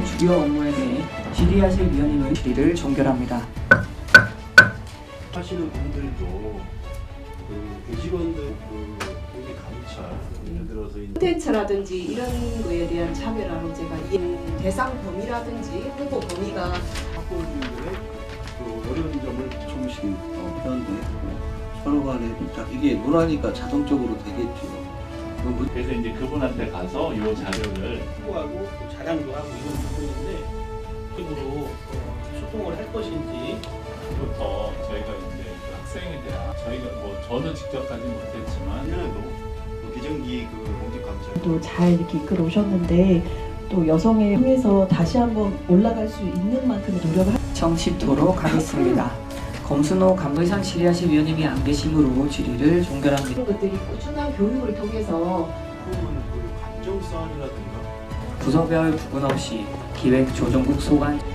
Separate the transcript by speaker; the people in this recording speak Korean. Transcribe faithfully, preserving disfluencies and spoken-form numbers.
Speaker 1: 주요 업무에 대해 질의하실 위원님의 질의를 종결합니다.
Speaker 2: 하시는 분들도 그 교직원들 그 여기 감찰 예를 들어서 이
Speaker 3: 콘텐츠라든지 이런 거에 대한 차별화로 제가 이 대상 범위라든지 후보 범위가
Speaker 2: 학부모님들의 그 어려운 점을 조금씩 어, 표현도 했고 서로 간에 자- 이게 논하니까 자동적으로 되겠죠. 그
Speaker 4: 그래서 이제 그분한테 가서 요 자료를
Speaker 5: 홍보하고 또 자랑도 하고 이런 부분인데 식으로 어, 소통을 할 것인지
Speaker 4: 부터 저희가 이제 그 학생에 대한 저희가 뭐 저는 직접 가지 못했지만
Speaker 2: 작년에도 그 비정기 그 공직 감찰
Speaker 6: 또 잘 이렇게 이끌어 오셨는데 또 여성을 통해서 다시 한번 올라갈 수 있는 만큼의 노력을 하...
Speaker 1: 정치토록 하겠습니다. 검순호 감의상 질의하실 위원님이 안 계심으로 질의를 종결합니다.
Speaker 3: 이런 것들이 꾸준한 교육을 통해서
Speaker 2: 부분 그 감정싸움이라든가
Speaker 1: 부서별 구분 없이 기획조정국 소관